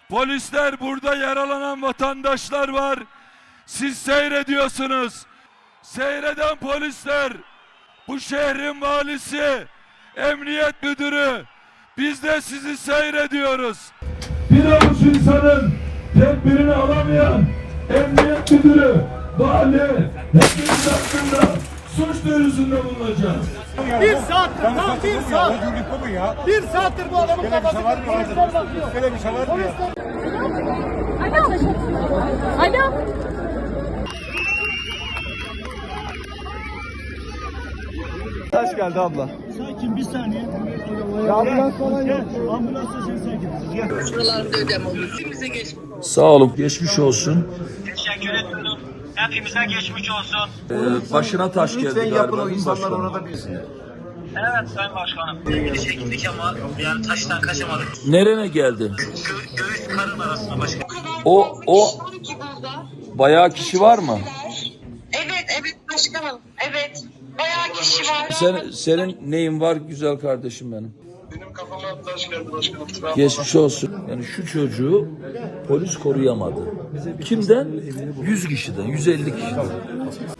Polisler, burada yaralanan vatandaşlar var. Siz seyrediyorsunuz. Seyreden polisler, bu şehrin valisi, emniyet müdürü, biz de sizi seyrediyoruz. Bir avuç insanın tedbirini alamayan emniyet müdürü, vali, hepimiz hakkında suç duyurusunda bulunacağız. Bir saattir, tam bir saat. Bir saattir bu adamın kafası. Polisler bakıyor. Böyle bir şey var mı ya? Alo. Alo. Taş geldi abla. Sakin bir saniye. Ambulans falan yok. Ambulansla sen sakin. Gel. Şuralarında ödeme olur. Hepimize geçmiş. Sağ olun, geçmiş olsun. Teşekkür ederim. Hepimize geçmiş olsun. Başına taş geldi Lütfen galiba. yapın o değil mi insanlar başkanım? orada bilsin. Evet Sayın Başkanım. Gidişe gittik ama yani taştan kaçamadık. Nerene geldi? Göğüs karın arasında başkanım. O bayağı kişi var mı? Evet başkanım. Evet. Bayağı kişi var. Senin neyin var güzel kardeşim benim? Benim kafama taş geldi başkanım. Geçmiş olsun. Yani şu çocuğu polis koruyamadı. Kimden? 100 kişiden, 150 kişiden.